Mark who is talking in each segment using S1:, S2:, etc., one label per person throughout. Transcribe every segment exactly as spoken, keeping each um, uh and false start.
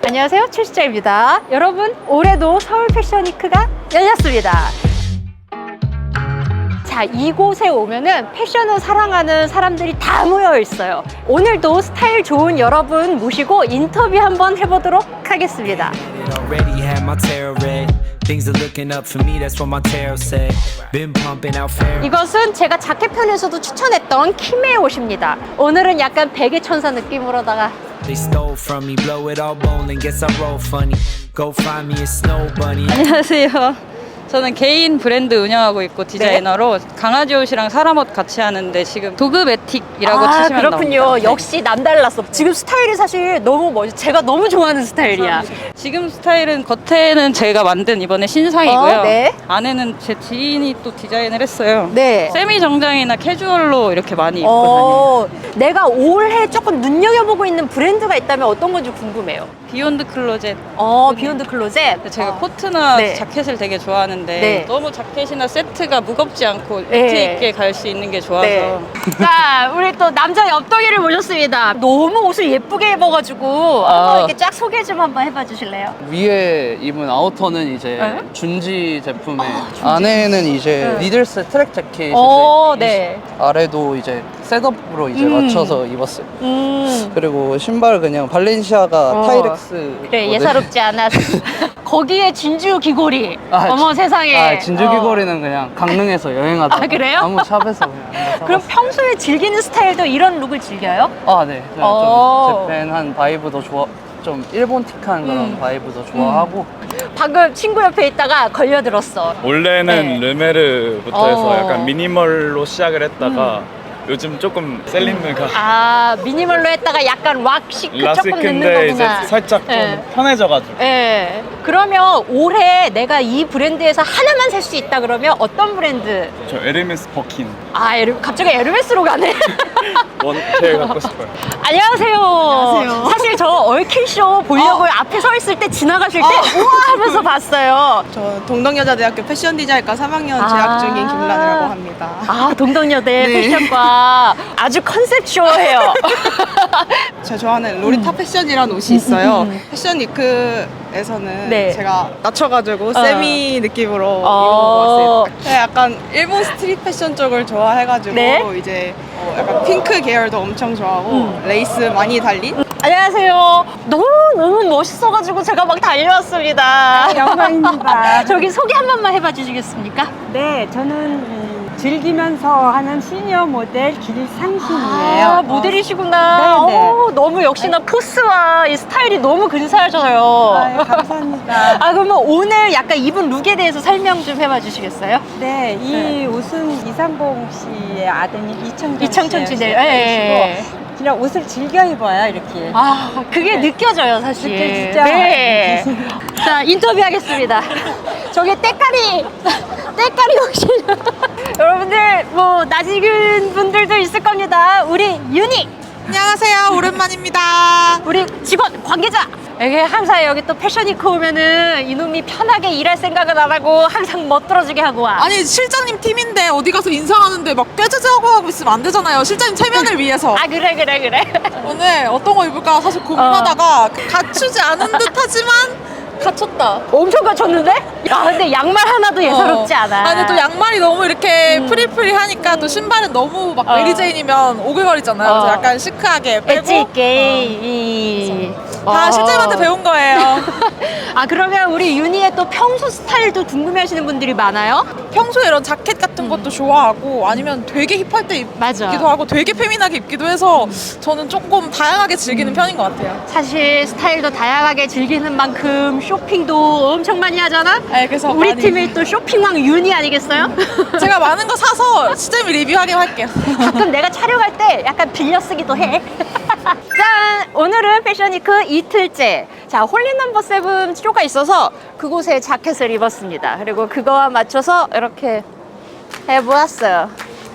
S1: 안녕하세요, 최수자입니다. 여러분, 올해도 서울 패션위크가 열렸습니다. 자, 이곳에 오면은 패션을 사랑하는 사람들이 다 모여 있어요. 오늘도 스타일 좋은 여러분 모시고 인터뷰 한번 해보도록 하겠습니다.
S2: Already had my tarot read. Things are looking up for me, that's what my tarot said. Been pumping out fair.
S1: 이것은 제가 자켓편에서도 추천했던 킴의 옷입니다. 오늘은 약간 베개 천사 느낌으로다가
S2: They stole from me, blow it all bowling. Guess I roll funny. Go find me a snow bunny.
S3: 안녕하세요. 저는 개인 브랜드 운영하고 있고 디자이너로 네? 강아지 옷이랑 사람 옷 같이 하는데 지금 도그매틱이라고
S1: 아,
S3: 치시면
S1: 그렇군요.
S3: 나옵니다.
S1: 역시 남달랐어. 지금 스타일이 사실 너무 멋져. 제가 너무 좋아하는 스타일이야.
S3: 지금 스타일은 겉에는 제가 만든 이번에 신상이고요.
S1: 어, 네.
S3: 안에는 제 지인이 또 디자인을 했어요.
S1: 네.
S3: 세미 정장이나 캐주얼로 이렇게 많이 입고
S1: 어, 내가 올해 조금 눈여겨보고 있는 브랜드가 있다면 어떤 건지 궁금해요.
S3: 다녀요. 비욘드 클로젯.
S1: 어, 비욘드 클로젯.
S3: 제가
S1: 어.
S3: 코트나
S1: 네.
S3: 자켓을 되게 좋아하는데
S1: 네.
S3: 너무 자켓이나 세트가 무겁지 않고
S1: 네.
S3: 니트 있게 갈 수 있는 게 좋아서
S1: 네. 자, 우리 또 남자 옆동이를 모셨습니다. 너무 옷을 예쁘게 입어가지고
S4: 아.
S1: 한번 이렇게 쫙 소개 좀 한번 해봐 주실래요?
S4: 위에 입은 아우터는 이제
S1: 네?
S4: 준지 제품에 안에는 이제
S1: 네.
S4: 니들스 트랙 자켓이
S1: 어, 네.
S4: 아래도 이제 셋업으로 이제
S1: 음.
S4: 맞춰서 입었어요.
S1: 음.
S4: 그리고 신발 그냥 발렌시아가
S1: 어.
S4: 타이렉스.
S1: 그래, 예사롭지 않았어. 거기에 진주 귀걸이.
S4: 아,
S1: 어머
S4: 진-
S1: 세상에.
S4: 아, 진주
S1: 어.
S4: 귀걸이는 그냥 강릉에서 여행하다가
S1: 아, 그래요?
S4: 아무 샵에서 그냥 하나
S1: 그럼
S4: 사봤어요.
S1: 평소에 즐기는 스타일도 이런 룩을 즐겨요?
S4: 아, 네. 그냥
S1: 어.
S4: 좀 재팬한 바이브도 좋아. 좀 일본틱한 그런
S1: 음.
S4: 바이브도 좋아하고.
S1: 방금 친구 옆에 있다가 걸려들었어.
S5: 원래는
S1: 네.
S5: 르메르부터 해서
S1: 어.
S5: 약간 미니멀로 시작을 했다가 요즘 조금 셀린느가
S1: 아, 미니멀로 했다가 약간 왁시크 조금 넣는
S5: 라시크인데 이제
S1: 거구나.
S5: 살짝 좀
S1: 네.
S5: 편해져가지고
S1: 예. 그러면 올해 내가 이 브랜드에서 하나만 살 수 있다 그러면 어떤 브랜드?
S5: 저 에르메스 버킨
S1: 아, 에르, 갑자기 에르메스로 가네.
S5: 원 제일 갖고 싶어요.
S1: 안녕하세요.
S6: 안녕하세요.
S1: 사실 저 얼킬쇼 보려고
S6: 어.
S1: 앞에 서 있을 때 지나가실 때
S6: 어.
S1: 우와 하면서 봤어요.
S6: 저 동덕여자대학교 패션디자인과 삼 학년
S1: 아.
S6: 재학 중인 김란이라고 합니다.
S1: 아, 동덕여대
S6: 네.
S1: 패션과 아주 컨셉쇼해요.
S6: 제가 좋아하는 로리타 패션이라는 옷이 있어요. 패션 위크에서는
S1: 네.
S6: 제가 낮춰가지고
S1: 어.
S6: 세미 느낌으로
S1: 어.
S6: 입어봤어요. 네, 약간 일본 스트릿 패션 쪽을 좋아해가지고
S1: 네.
S6: 이제 어, 약간 핑크 계열도 엄청 좋아하고
S1: 음.
S6: 레이스 많이 달린
S1: 안녕하세요. 너무 너무 멋있어가지고 제가 막 달려왔습니다.
S7: 영광입니다.
S1: 저기 소개 한 번만 해봐 주시겠습니까?
S7: 네, 저는 음, 즐기면서 하는 시니어 모델 길상신이에요.
S1: 아, 모델이시구나.
S7: 네네.
S1: 오, 너무 역시나 포스와 이 스타일이 너무 근사하셔요.
S7: 아유, 감사합니다.
S1: 아, 그러면 오늘 약간 입은 룩에 대해서 설명 좀 해봐 주시겠어요?
S7: 네, 이
S1: 네.
S7: 옷은 이상봉 씨의 아드님 이청정
S1: 이청천
S7: 씨의
S1: 씨, 네. 예.
S7: 옷이고 그냥 옷을 즐겨 입어야 이렇게.
S1: 아, 그게 느껴져요, 사실.
S7: 느껴지죠?
S1: 네. 자, 인터뷰 하겠습니다. 저기 때깔이, 때깔이 혹시. 여러분들, 뭐, 낯익은 분들도 있을 겁니다. 우리 윤희,
S6: 안녕하세요, 오랜만입니다.
S1: 우리 직원, 관계자. 이게 항상 여기 또 패션위크 오면은 이놈이 편하게 일할 생각은 안 하고 항상 멋들어지게 하고 와.
S8: 아니 실장님 팀인데 어디 가서 인사하는데 막 꾀죄죄하고 하고 있으면 안 되잖아요. 실장님 체면을 위해서.
S1: 아, 그래, 그래, 그래.
S8: 오늘 어떤 거 입을까 사실 고민하다가 갖추지 않은 듯하지만 갖췄다.
S1: 엄청 갖췄는데? 야, 근데 양말 하나도 예사롭지 않아.
S8: 아, 근데 또 양말이 너무 이렇게
S1: 음.
S8: 프리프리하니까 또 신발은 너무 막
S1: 어.
S8: 메리제인이면 오글거리잖아요. 그래서
S1: 어.
S8: 약간 시크하게 빼고
S1: 엣지 있게. 이.
S8: 다
S1: 어.
S8: 실장님한테 배운 거예요.
S1: 아, 그러면 우리 윤희의 또 평소 스타일도 궁금해 하시는 분들이 많아요?
S8: 평소에 이런 자켓 같은 것도 좋아하고 아니면 되게 힙할 때
S1: 맞아.
S8: 입기도 하고 되게 페미나게 입기도 해서 저는 조금 다양하게 즐기는 편인 것 같아요.
S1: 사실 스타일도 다양하게 즐기는 만큼 쇼핑도 엄청 많이 하잖아?
S8: 네, 그래서
S1: 우리
S8: 많이-
S1: 팀이 또 쇼핑왕 윤희 아니겠어요?
S8: 제가 많은 거 사서 시점이 리뷰하게 할게요.
S1: 가끔 내가 촬영할 때 약간 빌려 쓰기도 해. 짠! 오늘은 패션위크 이틀째. 자, 홀리 넘버 세븐 쇼가 있어서 그곳에 자켓을 입었습니다. 그리고 그거와 맞춰서 이렇게 해보았어요.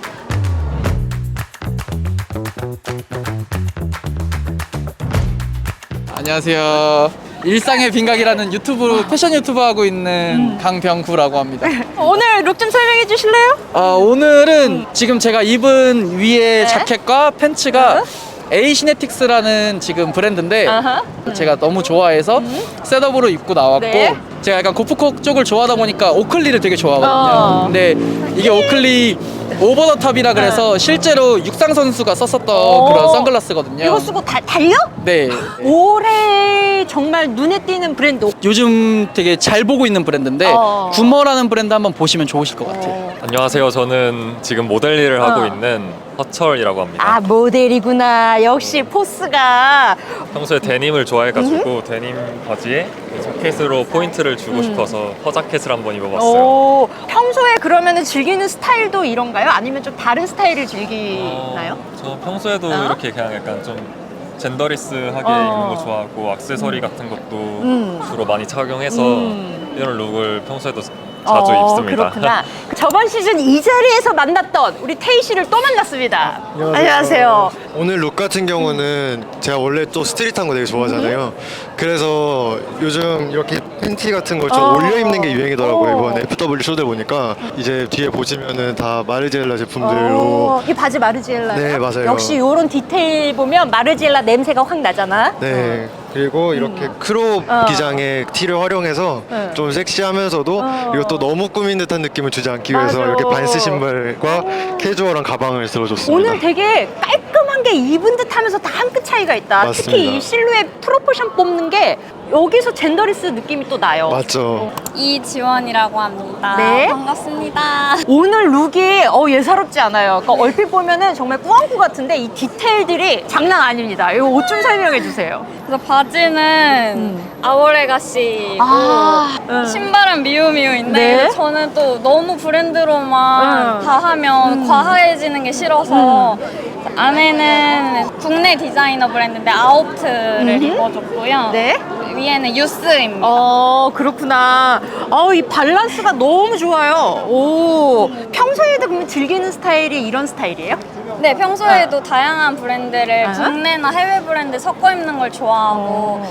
S4: 안녕하세요. 일상의 빈각이라는 유튜브 패션 유튜브 하고 있는 강병구라고 합니다.
S1: 오늘 룩 좀 설명해 주실래요?
S4: 어, 오늘은 지금 제가 입은 위에
S1: 네.
S4: 자켓과 팬츠가 에이시네틱스라는 지금 브랜드인데
S1: 아하.
S4: 제가 너무 좋아해서 셋업으로 입고 나왔고
S1: 네.
S4: 제가 약간 고프코 쪽을 좋아하다 보니까 오클리를 되게 좋아하거든요.
S1: 어.
S4: 근데 이게 오클리 오버 더 탑이라 그래서 실제로 육상 선수가 썼었던
S1: 어.
S4: 그런 선글라스거든요.
S1: 이거 쓰고 다, 달려?
S4: 네.
S1: 올해 정말 눈에 띄는 브랜드.
S4: 요즘 되게 잘 보고 있는 브랜드인데
S1: 어.
S4: 구머라는 브랜드 한번 보시면 좋으실 것 같아요.
S5: 안녕하세요. 저는 지금 모델 일을 하고
S1: 어.
S5: 있는 허철이라고 합니다.
S1: 아, 모델이구나. 역시 포스가.
S5: 평소에 데님을 좋아해가지고 데님 바지에 자켓으로 포인트를 주고 싶어서 허자켓을 한번 입어봤어요.
S1: 오, 평소에 그러면 즐기는 스타일도 이런가요? 아니면 좀 다른 스타일을 즐기나요?
S5: 어, 저 평소에도
S1: 어?
S5: 이렇게 그냥 약간 좀 젠더리스하게
S1: 어.
S5: 입는 거 좋아하고 액세서리 같은 것도
S1: 음.
S5: 주로 많이 착용해서
S1: 음.
S5: 이런 룩을 평소에도 자주
S1: 어,
S5: 입습니다.
S1: 그렇구나. 저번 시즌 이 자리에서 만났던 우리 태희 씨를 또 만났습니다. 안녕하세요.
S9: 오늘 룩 같은 경우는 제가 원래 또 스트릿한 거 되게 좋아하잖아요. 그래서 요즘 이렇게 팬티 같은 걸 좀
S1: 어.
S9: 올려 입는 게 유행이더라고요.
S1: 어.
S9: 이번에 에프더블유 쇼들 보니까 이제 뒤에 보시면은 다 마르지엘라 제품들로
S1: 어, 이 바지 마르지엘라.
S9: 네, 맞아요.
S1: 역시 이런 디테일 보면 마르지엘라 냄새가 확 나잖아.
S9: 네. 그리고 이렇게 크롭
S1: 어.
S9: 기장의 티를 활용해서
S1: 네.
S9: 좀 섹시하면서도
S1: 어.
S9: 이것도 너무 꾸민 듯한 느낌을 주지 않기 위해서
S1: 맞아.
S9: 이렇게 반스 신발과 캐주얼한 가방을 들어줬습니다.
S1: 오늘 되게 깔끔한 게 입은 듯 하면서 다 한 끗 차이가 있다.
S9: 맞습니다.
S1: 특히 이 실루엣 프로포션 뽑는 게 여기서 젠더리스 느낌이 또 나요.
S9: 맞죠.
S10: 이지원이라고 합니다.
S1: 네.
S10: 반갑습니다.
S1: 오늘 룩이 어, 예사롭지 않아요. 그러니까 얼핏 보면은 정말 꾸안꾸 같은데 이 디테일들이 장난 아닙니다. 이거 옷 좀 설명해 주세요.
S10: 그래서 바지는 아오레가시고
S1: 아, 음.
S10: 신발은 미우미우인데
S1: 네.
S10: 저는 또 너무 브랜드로만
S1: 음.
S10: 다 하면 과하해지는 게 싫어서 안에는 국내 디자이너 브랜드인데 아우트를 입어줬고요.
S1: 네.
S10: 위에는 유스입니다.
S1: 어, 그렇구나. 어, 이 밸런스가 너무 좋아요. 오, 평소에도 그러면 즐기는 스타일이 이런 스타일이에요?
S10: 네, 평소에도 다양한 브랜드를
S1: 아.
S10: 국내나 해외 브랜드 섞어 입는 걸 좋아하고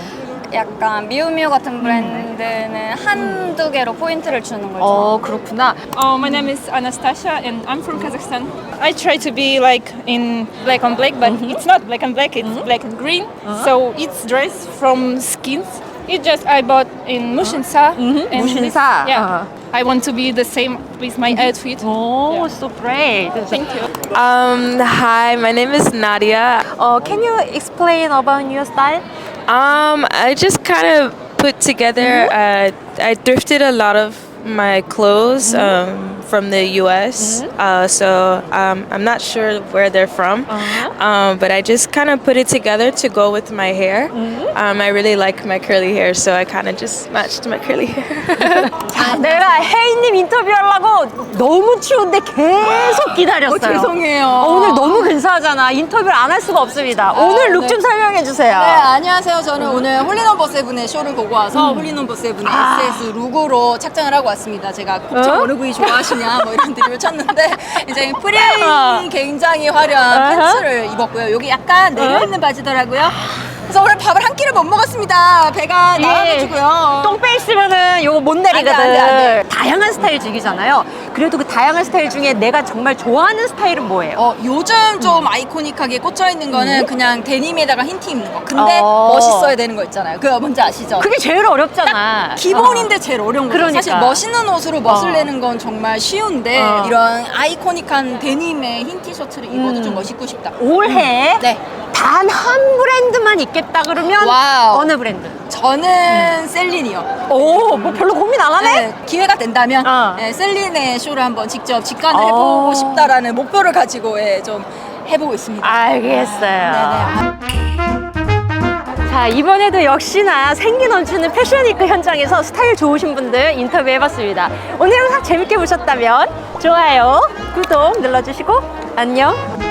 S10: 약간 미우미우 같은 브랜드는 한두 개로 포인트를 주는 걸 좋아해요.
S1: 어, 그렇구나.
S11: Oh, my name is Anastasia and I'm from Kazakhstan. I try to be like in black on black, but it's not black and black, it's black and green. So it's dress from skins. It just I bought in Mushinsa. and
S1: 무신사.
S11: this- yeah.
S1: Uh-huh.
S11: I want to be the same with my outfit.
S1: Oh, so great.
S11: Thank you.
S12: Um, hi, my name is Nadia.
S1: Uh, can you explain about your style?
S12: Um, I just kind of put together, uh, I thrifted a lot of my clothes um, from the U S, uh, so um, I'm not sure where they're from, um, but I just kind of put it together to go with my hair. Um, I really like my curly hair, so I kind of just matched my curly hair.
S1: 자, 내가 혜인님 인터뷰하려고 너무 추운데 계속 기다렸어요.
S6: 어, 죄송해요.
S1: 어, 오늘 너무 근사하잖아. 인터뷰를 안 할 수가 없습니다. 오늘 룩 좀 설명해 주세요.
S13: 네, 안녕하세요. 저는 오늘 홀리넘버 세븐의 쇼를 보고 와서 홀리넘버 세븐의 에스에스 룩으로 착장을 하고 왔습니다. 제가 곱창
S1: 어?
S13: 어느 부위 좋아하시냐 뭐 이런 드립을 쳤는데 이제 프릴
S1: 어.
S13: 굉장히 화려한 팬츠를 입었고요. 여기 약간 내려있는 바지더라고요. 그래서 오늘 밥을 한 끼를 못 먹었습니다. 배가 나와가지고요.
S1: 똥 빼 있으면은 요거 못 내리거든.
S13: 안 돼, 안 돼, 안 돼.
S1: 다양한 스타일 즐기잖아요. 그래도 그 다양한 스타일 중에 내가 정말 좋아하는 스타일은 뭐예요?
S13: 어, 요즘 좀 아이코닉하게 꽂혀있는 거는 그냥 데님에다가 흰 티 입는 거. 근데
S1: 어.
S13: 멋있어야 되는 거 있잖아요. 그거 뭔지 아시죠?
S1: 그게 제일 어렵잖아.
S13: 기본인데 제일 어려운 거죠.
S1: 그러니까.
S13: 사실 멋있는 옷으로 멋을
S1: 어.
S13: 내는 건 정말 쉬운데
S1: 어.
S13: 이런 아이코닉한 데님의 흰 티셔츠를 입어도
S1: 음.
S13: 좀 멋있고 싶다.
S1: 올해
S13: 네.
S1: 단 한 브랜드만 입겠다 그러면
S13: 와우.
S1: 어느 브랜드?
S13: 저는 셀린이요.
S1: 오, 뭐 별로 고민 안 하네?
S13: 네, 기회가 된다면
S1: 어.
S13: 네, 셀린의 쇼를 한번 직접 직관을
S1: 어.
S13: 해보고 싶다라는 목표를 가지고 예, 좀 해보고 있습니다.
S1: 알겠어요.
S13: 네네.
S1: 자, 이번에도 역시나 생기 넘치는 패션위크 현장에서 스타일 좋으신 분들 인터뷰해봤습니다. 오늘 영상 재밌게 보셨다면 좋아요, 구독 눌러주시고 안녕.